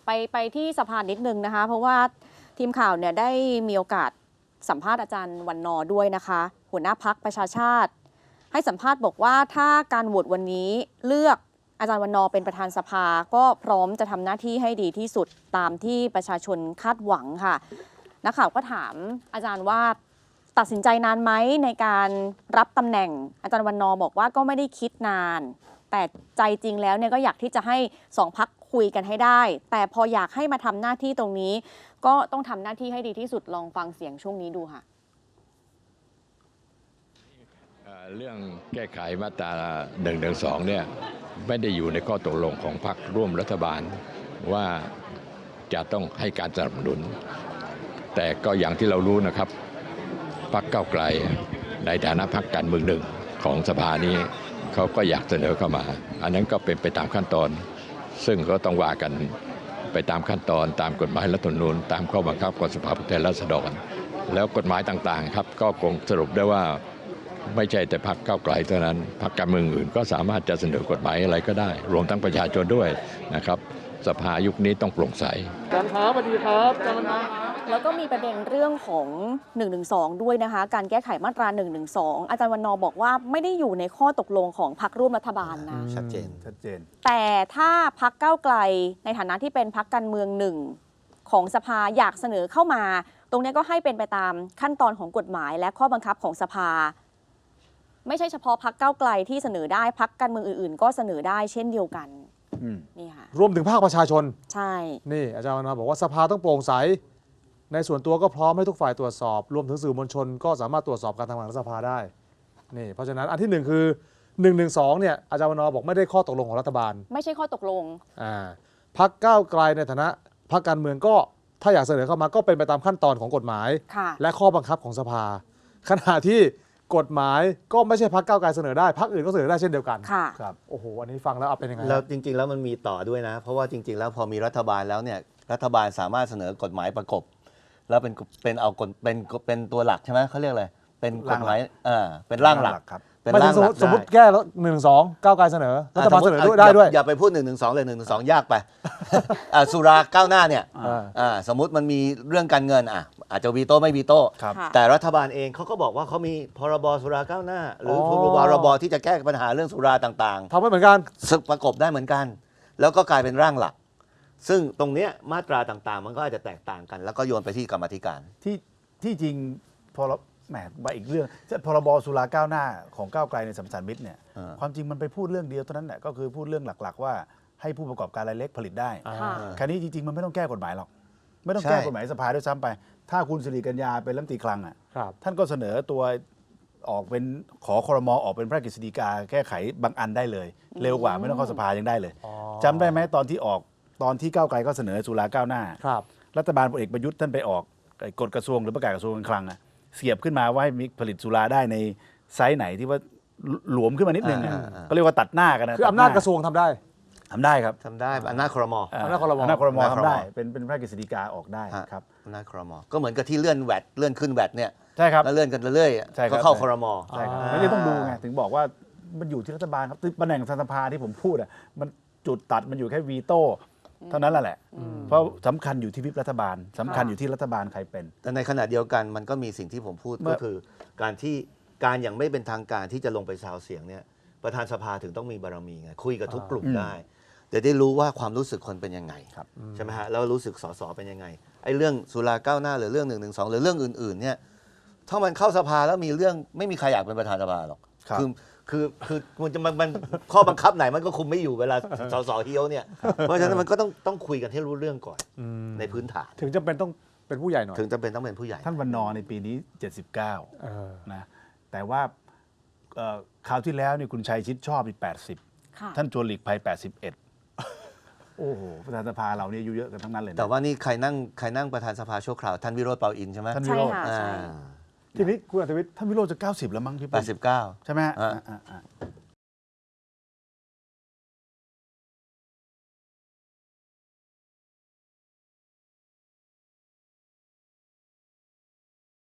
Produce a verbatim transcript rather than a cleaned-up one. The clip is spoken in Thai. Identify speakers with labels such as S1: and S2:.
S1: ไปไปที่สภานิดนึงนะคะเพราะว่าทีมข่าวเนี่ยได้มีโอกาสสัมภาษณ์อาจารย์วันนอด้วยนะคะหัวหน้าพักประชาชาติให้สัมภาษณ์บอกว่าถ้าการโหวตวันนี้เลือกอาจารย์วันนอเป็นประธานสภาก็พร้อมจะทำหน้าที่ให้ดีที่สุดตามที่ประชาชนคาดหวังค่ะนักข่าวก็ถามอาจารย์ว่าตัดสินใจนานไหมในการรับตำแหน่งอาจารย์วันนอบอกว่าก็ไม่ได้คิดนานแต่ใจจริงแล้วเนี่ยก็อยากที่จะให้สองพรรคคุยกันให้ได้แต่พออยากให้มาทำหน้าที่ตรงนี้ก็ต้องทำหน้าที่ให้ดีที่สุดลองฟังเสียงช่วงนี้ดูค่ะ
S2: เรื่องแก้ไขมาตราหนึ่งหนึ่งสองเนี่ยไม่ได้อยู่ในข้อตกลงของพรรคร่วมรัฐบาลว่าจะต้องให้การสนับสนุนแต่ก็อย่างที่เรารู้นะครับพรรคก้าวไกลในฐานะพรรคการเมืองหนึ่งของสภานี้เขาก็อยากเสนอเข้ามาอันนั้นก็เป็นไปตามขั้นตอนซึ่งก็ต้องว่ากันไปตามขั้นตอนตามกฎหมายรัฐธรรมนูญตามข้อบังคับของสภาผู้แทนราษฎรแล้วกฎหมายต่างๆครับก็คงสรุปได้ว่าไม่ใช่แต่พรรคก้าวไกลเท่านั้นพรรคการเมืองอื่นก็สามารถจะเสนอกฎหมายอะไรก็ได้รวมทั้งประชาชนด้วยนะครับสภายุคนี้ต้องโปร่งใส
S3: อาจารย์ครับสวัสดีครับอาจารย์ครับ
S1: แล้วก็มีประเด็นเรื่องของหนึ่งหนึ่งสองด้วยนะคะการแก้ไขมาตราหนึ่งหนึ่งสองอาจารย์วันนอบอกว่าไม่ได้อยู่ในข้อตกลงของพรรคร่วมรัฐบาลนะ
S4: ชัดเจนชัดเจน
S1: แต่ถ้าพรรคก้าวไกลในฐานะที่เป็นพรรคการเมืองหนึ่งของสภาอยากเสนอเข้ามาตรงนี้ก็ให้เป็นไปตามขั้นตอนของกฎหมายและข้อบังคับของสภาไม่ใช่เฉพาะพรรคก้าวไกลที่เสนอได้พรรคการเมืองอื่นๆก็เสนอได้เช่นเดียวกันนี่ค่ะ
S4: รวมถึงภาคประชาชน
S1: ใช่
S4: นี่อาจารย์วันนอบอกว่าสภาต้องโปร่งใสในส่วนตัวก็พร้อมให้ทุกฝ่ายตรวจสอบรวมถึงสื่อมวลชนก็สามารถตรวจสอบการทำงานของสภาได้นี่เพราะฉะนั้นอันที่หนึ่งคือหนึ่งหนึ่งสองเนี่ยอาจารย์วันนอบอกไม่ได้ข้อตกลงของรัฐบาล
S1: ไม่ใช่ข้อตกลง
S4: อ่าพรรคก้าวไกลในฐานะพรรคการเมืองก็ถ้าอยากเสนอเข้ามาก็เป็นไปตามขั้นตอนของกฎหมายและข้อบังคับของสภาขณะที่กฎหมายก็ไม่ใช่พรรคก้าวไกลเสนอได้พรรคอื่นก็เสนอได้เช่นเดียวกันครับโอ้โหอันนี้ฟังแล้วเอาเป็นยังไง
S5: แล้วจริงๆแล้วมันมีต่อด้วยนะเพราะว่าจริงๆแล้วพอมีรัฐบาลแล้วเนี่ยรัฐบาลสามารถเสนอกฎหมายประกบแล้วเป็นเป็นเอากฎเป็นเป็นตัวหลักใช่ไหมเขาเรียกอะไรเป็นกฎหมายเออเป็นร่างหลัก
S4: ครับเป็นร่างหลักสมมติแก้แล้วหนึ่งสองก้าวไกลเสนอรัฐบาลเสนอด้วยได้ด้วย
S5: อย่าไปพูดหนึ่งหนึ่งสองเลยหนึ่งหนึ่งสองยากไปสุราก้าวหน้าเนี่ยสมมติมันมีเรื่องการเงินอ่ะอาจจะวีโต้ไม่วีโต้แต่รัฐบาลเองเขาก็บอกว่าเขามีพรบสุราก้าวหน้าหรือพรบที่จะแก้ปัญหาเรื่องสุราต่าง
S4: ๆทำให้เหมือนกัน
S5: ประกบได้เหมือนกันแล้วก็กลายเป็นร่างหลักซึ่งตรงนี้มาตราต่างๆมันก็อาจจะแตกต่างกันแล้วก็โยนไปที่กรรมธิการ
S3: ที่ที่จริงพอแหมมาอีกเรื่องพรบสุราก้าวหน้าของก้าวไกลในสัมสันมิตรเนี่ยความจริงมันไปพูดเรื่องเดียวเท่านั้นแหละก็คือพูดเรื่องหลักๆว่าให้ผู้ประกอบการรายเล็กผลิตได้แค่นี้จริงๆมันไม่ต้องแก้กฎหมายหรอกไม่ต้องแก้กฎหมายสภาด้วยซ้ำไปถ้าคุณสิริกัญญาเป็นรัฐมนตรีคลังอ่ะท่านก็เสนอตัวออกเป็นขอครม.ออกเป็นพระราชกฤษฎีกาแก้ไขบางอันได้เลยเร็วกว่าไม่ต้องเข้าสภายังได้เลยจำได้ไหมตอนที่ออกตอนที่ก้าวไกลก็เสนอสุราก้าวหน้ารัฐบาลพลเอกประยุทธ์ท่านไปออกกฎกระทรวงหรือประกาศกระทรวงการคลังอ่ะเสียบขึ้นมาว่าให้มีผลิตสุราได้ในไซส์ไหนที่ว่าหลวมขึ้นมานิดนึงก็เรียกว่าตัดหน้ากันนะ
S4: คืออำนาจกระทรวงทำได้
S3: ทำได้ครับ
S5: ทำได้อำนาจครม.
S3: อำนาจครม.อำนาจครม.ทำได้เป็นเป็นพระราชกฤษฎีกาออกได้ครับ
S5: อำนาจครม.ก็เหมือนกับที่เลื่อนแวดเลื่อนขึ้นแวดเนี่ย
S3: ใช่ครับ
S5: แล้วเลื่อนกันเรื่อยๆก็เข้าครม.
S3: ใช่ครับไม่ได้ต้องดูไงถึงบอกว่ามันอยู่ที่รัฐบาลครับตำแหน่งสภาที่ผมพูดอ่ะมันจุดตัดมันอยู่แค่วีโต้เท่านั้นแหละเพราะสำคัญอยู่ที่วิปรัฐบาลสำคัญอยู่ที่รัฐบาลใครเป็น
S5: แต่ในขณะเดียวกันมันก็มีสิ่งที่ผมพูดก็คือการที่การอย่างไม่เป็นทางการที่จะลงไปซาวเสียงเนี่ยประธานสภาถึงต้องมีบารมีไงคุยกับทุกกลุ่มได้จะได้รู้ว่าความรู้สึกคนเป็นยังไงใช่ไหมฮะแล้วรู้สึกสสเป็นยังไงไอ้เรื่องสุราก้าวหน้าหรือเรื่องหนึ่งหนึ่งสองหรือเรื่องอื่นๆเนี่ยถ้ามันเข้าสภาแล้วมีเรื่องไม่มีใครอยากเป็นประธานสภาหรอกคือคือคือมันจะมันข้อบังคับไหนมันก็คุมไม่อยู่เวลาสสเฮี้ยวเนี่ยเพราะฉะนั้นมันก็ต้องต้องคุยกันให้รู้เรื่องก่อนในพื้นฐาน
S4: ถึงจำเป็นต้องเป็นผู้ใหญ่หน่อย
S5: ถึงจำเป็นต้องเป็นผู้ใหญ่
S3: ท่านวันนอในปีนี้เจ็ดสิบเก้านะแต่ว่าคราวที่แล้วนี่คุณชัยชิดชอบอีกแปดสิบท่านชวนหลีกภัยแปดสิบเอ็ดโอ้โหประธานสภาเราเนี่ยอายุเยอะกันทั้งนั้นเลย
S5: แต่ว่านี่ใครนั่งใครนั่งประธานสภาชั่วคราวท่านวิโรจน์เปาอินใช่ไหม
S3: ท่านวิโรจน์ทีนี้คุณอัธวิทย์ท่านวิโรจน์จะเก้าสิบแล้วมั้งพี่
S5: แปดสิบเก้า
S3: ใช่ไหม